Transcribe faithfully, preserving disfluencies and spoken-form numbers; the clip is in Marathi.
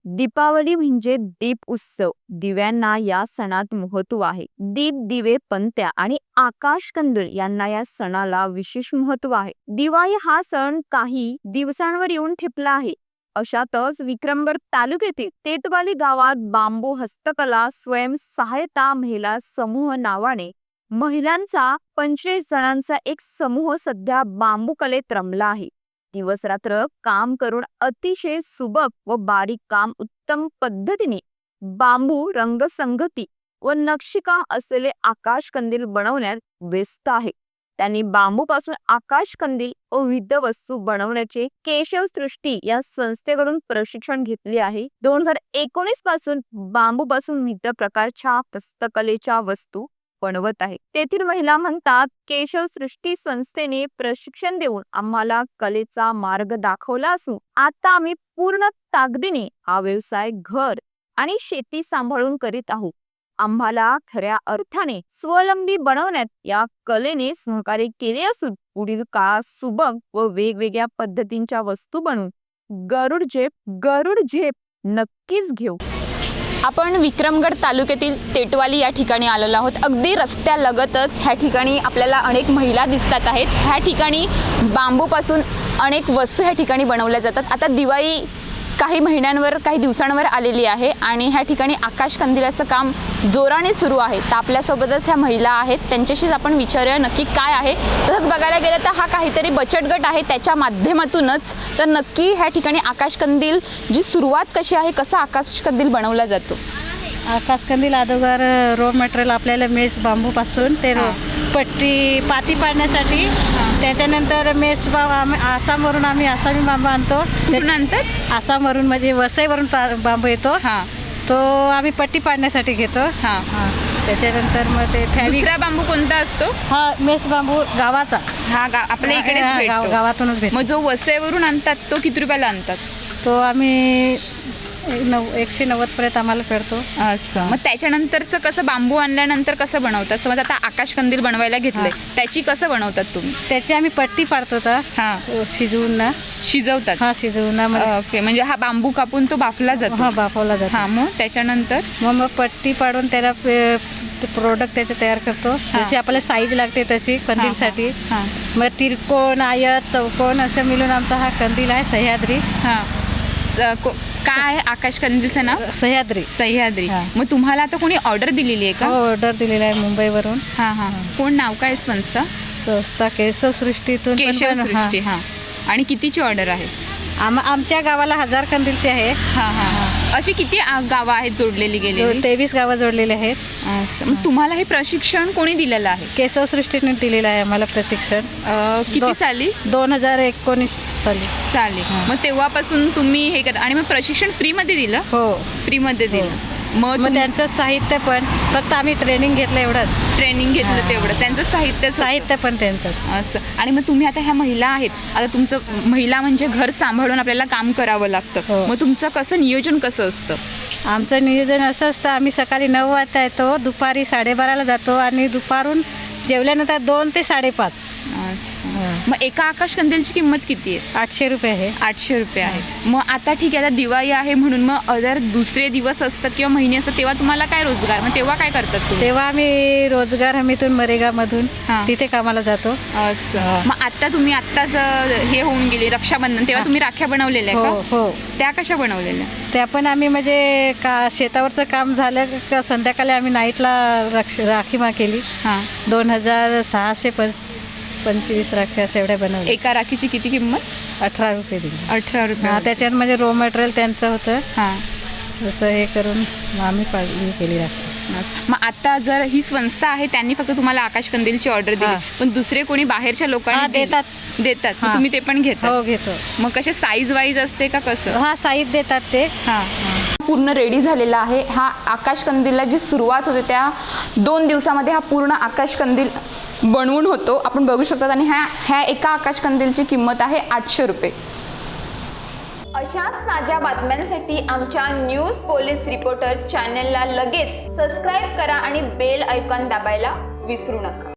दीपावली म्हणजे दीप उत्सव. दिव्यांना या सणात महत्त्व आहे. दीप, दिवे, पंत्या आणि आकाशकंदील यांना या सणाला विशेष महत्त्व आहे. दिवाळी हा सण काही दिवसांवर येऊन ठेपला आहे. अशातच विक्रमगड तालुक्यातील टेटवाली गावात बांबू हस्तकला स्वयंसहायता महिला समूह नावाने महिलांचा पंचवीस जणांचा एक समूह सध्या बांबू कलेत रमला आहे. दिवस रात्र काम करून अतिशय सुबक व बारीक काम उत्तम पद्धतीने बांबू रंगसंगती व नक्षीकाम असलेले आकाशकंदील बनवण्यात व्यस्त आहे. त्यांनी बांबूपासून आकाशकंदील व विविध वस्तू बनवण्याचे केशव सृष्टी या संस्थेकडून प्रशिक्षण घेतले आहे. दोन हजार एकोणीस पासून बांबूपासून विविध प्रकारच्या हस्तकलेच्या वस्तू बनवत आहे. तेथील महिला म्हणतात, केशव सृष्टी संस्थेने प्रशिक्षण देऊन आम्हाला कलेचा मार्ग दाखवला असून आता आम्ही पूर्ण ताकदीने हा व्यवसाय घर आणि शेती सांभाळून करीत आहोत. आम्हाला खऱ्या अर्थाने स्वावलंबी बनवण्यात या कलेने सहकार्य केले असून पुढील काळात सुबक व वेगवेगळ्या पद्धतींच्या वस्तू बनवून गरुड झेप गरुड झेप नक्कीच घेऊ. आपण विक्रमगड तालुक्यातील टेटवाली या ठिकाणी आलेलो आहोत. अगदी रस्त्यालगतच ह्या ठिकाणी आपल्याला अनेक महिला दिसतात आहेत. ह्या ठिकाणी बांबूपासून अनेक वस्तू ह्या ठिकाणी बनवल्या जातात. आता दिवाळी काही महिन्यांवर काही दिवसांवर आलेली आहे आणि ह्या ठिकाणी आकाशकंदिलाचं काम जोराने सुरू आहे. तर आपल्यासोबतच ह्या महिला आहेत, त्यांच्याशीच आपण विचारूया नक्की काय आहे. तसंच बघायला गेलं तर हा काहीतरी बचत गट आहे, त्याच्या माध्यमातूनच तर नक्की ह्या ठिकाणी आकाशकंदील जी सुरुवात कशी आहे, कसा आकाशकंदील बनवला जातो. आकाशकंदील अगोदर रॉ मटेरियल आपल्याला मेस बांबूपासून ते पट्टी पाती पाडण्यासाठी, त्याच्यानंतर मेस बांबू आसामवरून आम्ही आसामी बांबू आणतो. त्याच्यानंतर आसामवरून म्हणजे वसईवरून बांबू येतो, हां तो आम्ही पट्टी पाडण्यासाठी घेतो. हां त्याच्यानंतर मग ते दुसरा बांबू कोणता असतो? हा मेस बांबू गावाचा, हा गा आपल्या इकडे गावातूनच भेटतो. मग जो वसईवरून आणतात तो किती रुपयाला आणतात? तो आम्ही नऊ एकशे नव्वद पर्यंत आम्हाला पडतो. असं मग त्याच्यानंतरचं कसं बांबू आणल्यानंतर कसं बनवतात? समज आता आकाशकंदील बनवायला घेतले, त्याची कसं बनवतात तुम्ही? त्याची आम्ही पट्टी पाडतो तर हां शिजवून ना शिजवतात. हा शिजवून ना ओके, म्हणजे हा बांबू कापून तो बाफला जातो. हा बाफवला जातो. हा मग त्याच्यानंतर मग मग पट्टी पाडून त्याला प्रोडक्ट त्याचे तयार करतो, जशी आपल्याला साईज लागते तशी कंदीलसाठी. हां मग तिरकोण आयत चौकोन असं मिळून आमचा हा कंदील आहे. सह्याद्री. हां काय आकाशकंदीलचं नाव? सह्याद्री. सह्याद्री. मग तुम्हाला आता कोणी ऑर्डर दिलेली आहे का? ऑर्डर दिलेली आहे मुंबईवरून. हां हां कोण नाव काय संस्था? संस्था केशव सृष्टीतून. केशव सृष्टी. हां आणि कितीची ऑर्डर आहे? आम आमच्या गावाला हजार कंदीलचे आहे. हां हां अशी किती गावं आहेत जोडलेली गेलेली? तेवीस गावं जोडलेली आहेत. मग तुम्हाला हे प्रशिक्षण कोणी दिलेलं आहे? केशव सृष्टीने दिलेलं आहे आम्हाला प्रशिक्षण. किती साली? दोन हजार एकोणीस साली साली मग तेव्हापासून तुम्ही हे कर. आणि मग प्रशिक्षण फ्रीमध्ये दिलं? हो फ्रीमध्ये दिलं. मग मग त्यांचं साहित्य पण फक्त आम्ही ट्रेनिंग घेतलं एवढंच. ट्रेनिंग घेतलं तेवढं, त्यांचं साहित्य साहित्य पण त्यांचं असं. आणि मग तुम्ही आता ह्या महिला आहेत, आता तुमचं महिला म्हणजे घर सांभाळून आपल्याला काम करावं लागतं. मग तुमचं कसं नियोजन कसं असतं? आमचं नियोजन असं असतं, आम्ही सकाळी नऊ वाजता येतो, दुपारी साडेबाराला जातो आणि दुपारून जेवल्यानंतर दोन ते साडेपाच. मग एका आकाशकंदीलची किंमत किती आहे? आठशे रुपये आहे. आठशे रुपये आहे. मग आता ठीक आहे, आता दिवाळी आहे म्हणून मग अदर दुसरे दिवस असतात किंवा महिने असतात, तेव्हा तुम्हाला काय रोजगार? मग तेव्हा काय करतात तुम्ही? तेव्हा आम्ही रोजगार हमीतून मरेगामधून तिथे कामाला जातो. असं. मग आता तुम्ही आत्ताच हे होऊन गेले रक्षाबंधन, तेव्हा तुम्ही राख्या बनवलेल्या हो का? हो. त्या कशा बनवलेल्या? त्या पण आम्ही म्हणजे का शेतावरचं काम झालं का संध्याकाळी आम्ही नाईटला रक्ष राखी मा केली. हां दोन हजार सहाशे पण पंचवीस राख्या अशा एवढ्या बनवल्या. एका राखीची किती किंमत? अठरा रुपये दिली. अठरा रुपये. हां त्याच्यात म्हणजे रॉ मटेरियल त्यांचं होतं. हां जसं हे करून आम्ही पाळली केली राखी. मग आता जर ही संस्था आहे, त्यांनी फक्त तुम्हाला आकाशकंदीलची ऑर्डर दिली, पण दुसरे कोणी बाहेरच्या लोकांना देतात देतात मग तुम्ही ते पण घेता? हो घेतो. मग कसे साईज वाईज असते का कसं? हा साईज देतात ते. हां पूर्ण रेडी झालेला आहे. हा आकाशकंदीलला जी सुरुवात होते त्या दोन दिवसामध्ये हा पूर्ण आकाशकंदील बनवून होतो, आपण बघू शकतात. आणि ह्या ह्या एका आकाशकंदीलची किंमत आहे आठशे रुपये. अशाच ताज्या बातम्यांसाठी आमच्या न्यूज पोलीस रिपोर्टर चॅनलला लगेच सबस्क्राईब करा आणि बेल आयकॉन दाबायला विसरू नका.